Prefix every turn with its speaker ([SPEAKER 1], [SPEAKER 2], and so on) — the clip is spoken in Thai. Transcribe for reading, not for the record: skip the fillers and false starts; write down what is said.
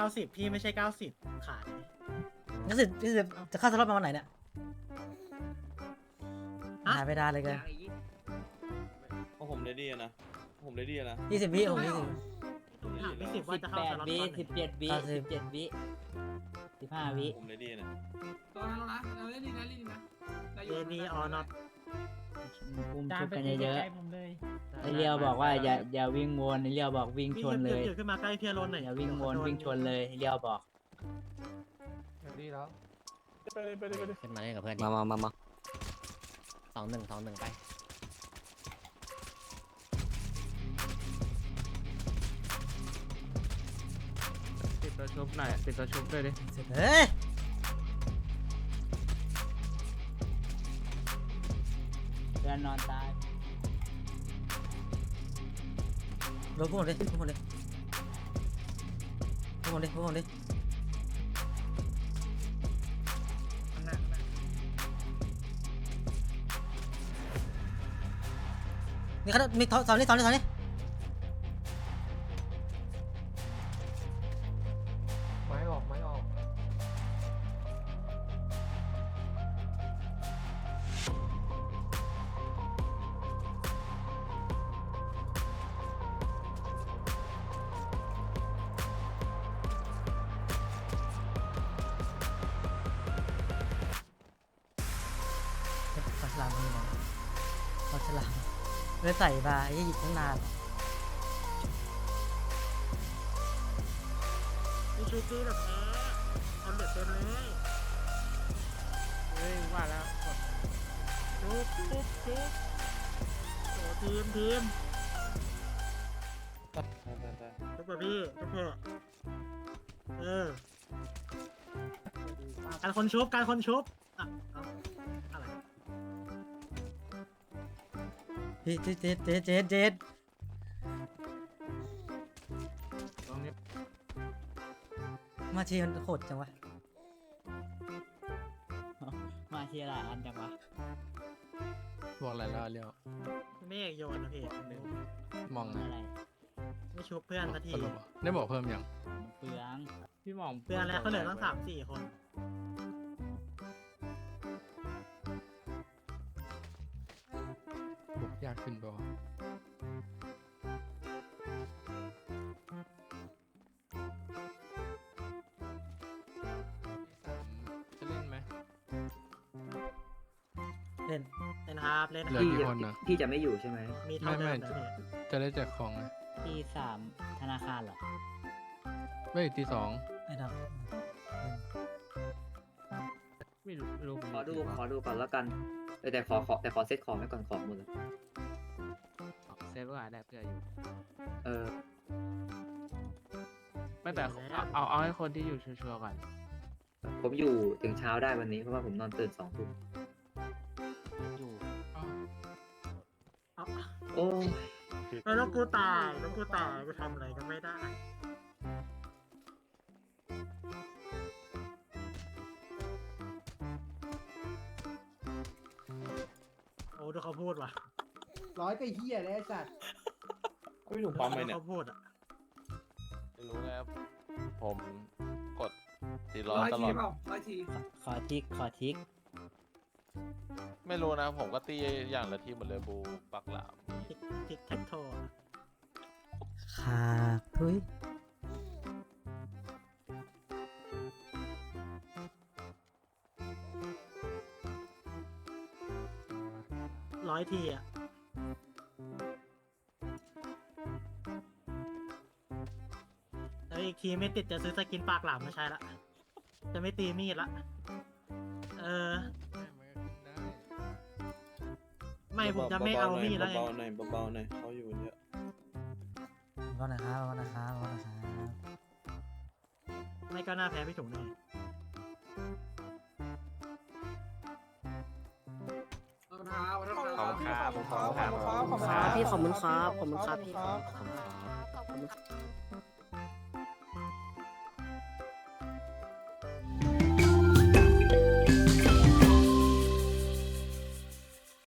[SPEAKER 1] 90พี่ไม่ใช่90ขาย
[SPEAKER 2] นี่สิจะเข้าสล็อตมาวันไหนเนี่ยหายไปนานเลยกัน
[SPEAKER 3] เพราะผมเลดี้นะผมเลดี้นะ
[SPEAKER 2] 20 วิผม20
[SPEAKER 1] ถามพี่สิบว่าจะเข้าสล็อตตอนไหน
[SPEAKER 2] 17 วิ15 วิ
[SPEAKER 3] ผมเลดี้นะ
[SPEAKER 4] ตอนนั้นนะเราเล่นดีนะเล่นดีนะได้อยู่
[SPEAKER 1] เอนีออนอต
[SPEAKER 5] คุมชุบกันเยอะๆไอเลียวบอกว่าอย่าวิ่งวนไอเลียวบอกวิ่งชนเลย
[SPEAKER 1] เดี๋ยวขึ้นมาใกล้เพียรนหน่อย
[SPEAKER 5] อย่าวิ่งวนวิ่งชนเลยไอเลียวบอก
[SPEAKER 6] ดีแล้วไปเลย
[SPEAKER 7] ขึ้นมาเล่นกับเพื่อน
[SPEAKER 8] มา
[SPEAKER 7] 2-1ไป
[SPEAKER 6] ปิดตัวชุบหน่อยปิดตัวชุบด้วยดิ
[SPEAKER 2] เฮ้ย
[SPEAKER 5] เพื่อนนอนตาย
[SPEAKER 2] ลงพวกผมดิพวกผมดินี่เขามีสอนนี่
[SPEAKER 6] ไม้ออก
[SPEAKER 2] ปลาฉลามนี่นะปลาฉลามเลยใส่มาไอ้หยิบตั้งนาน
[SPEAKER 1] พี่ชูกี้แบบนี้ทำเด็ดเต็มเลย
[SPEAKER 6] เฮ้ยว่าแล้วกด
[SPEAKER 1] ชุบโอ้ทีม ชุบกับพี่ชุบเถอะการคนชุบอ่ะเอาอะไร
[SPEAKER 2] พี่เจด
[SPEAKER 6] ตรงนี้
[SPEAKER 2] มาทีมันโหดจังวะ
[SPEAKER 5] มาเชียร์หลายอันจังวะ
[SPEAKER 6] บอกอะไรแล้วเรียว
[SPEAKER 1] ไม่อยากโยนนะพี่
[SPEAKER 6] มอง
[SPEAKER 5] อะไร
[SPEAKER 1] ไม่ชุบเพื่อนสักที
[SPEAKER 6] สรุปได้บอกเพิ่มยัง
[SPEAKER 5] เปลือง
[SPEAKER 6] พี่มอง
[SPEAKER 1] เพื่อนแล้วเขาเหลือตั้ง3-4 คน
[SPEAKER 6] บุกยากขึ้นป่าวะจะเล่นไหม
[SPEAKER 2] เล่น
[SPEAKER 1] เล่นครับเล่น
[SPEAKER 6] เหลือกี่คนนะ
[SPEAKER 8] พี่จะไม่อยู่ใช่ไหม
[SPEAKER 1] มีเท่าเดิมนะพี่
[SPEAKER 6] จะได้แจกของไหม
[SPEAKER 5] ที่3ธนาคารเหรอ
[SPEAKER 6] เฮ้ยตี 2
[SPEAKER 2] ไอ้ดอก
[SPEAKER 6] ไม่รู้
[SPEAKER 8] ขอดูก่อนแล้วกันแต่ขอเซตของไว้ก่อนของหมดเลย
[SPEAKER 6] เซฟว่าได้เพื่ออยู่
[SPEAKER 8] เออ
[SPEAKER 6] ไม่แต่เอาให้คนที่อยู่ชัวร์ๆก่อน
[SPEAKER 8] ผมอยู่ถึงเช้าได้วันนี้เพราะว่าผมนอนตื่น2 ทุ่ม
[SPEAKER 5] อยู่
[SPEAKER 1] เอา
[SPEAKER 8] โอ้ย
[SPEAKER 1] แล้วกูตายกูทำอะไรก็ไม่ได้โอ้ดูเขาพูดว่ะ
[SPEAKER 9] 100ก็เฮียเลยไอ้สัตว์
[SPEAKER 3] พี่หนุ่มปั๊มไหมเนี่ย
[SPEAKER 1] เขาพูดอ่ะ
[SPEAKER 3] ไม่รู้แล้วผมกด400
[SPEAKER 4] ร้อย
[SPEAKER 3] ตล
[SPEAKER 4] ที
[SPEAKER 3] อด
[SPEAKER 4] เปล่าร้อยที
[SPEAKER 5] ขอทิก
[SPEAKER 3] ไม่รู้นะผมก็ตีอย่างละทีหมดเลยบูปักหลาม
[SPEAKER 1] ทิกแท็กโทอะ
[SPEAKER 2] ขาทุย
[SPEAKER 1] 100 ทีอ่ะแล้วอีกทีไม่ติดจะซื้อสกินปากหลามมาใช้ละจะไม่ตีมีดละไม่ผมจะไม่เอามีดแล้วไง
[SPEAKER 3] เบาๆหน่อยเบาๆหน่อยเขาอยู่เยอะ
[SPEAKER 2] รอนะครับ
[SPEAKER 1] ไม่ก็น่าแพ้พี่ถุงแน่
[SPEAKER 4] ขอบคุณครับ
[SPEAKER 6] ขอบคุณครับ
[SPEAKER 9] ขอบคุณครับ
[SPEAKER 7] พี่ขอบคุณครับพี่
[SPEAKER 9] ขอบคุณครับ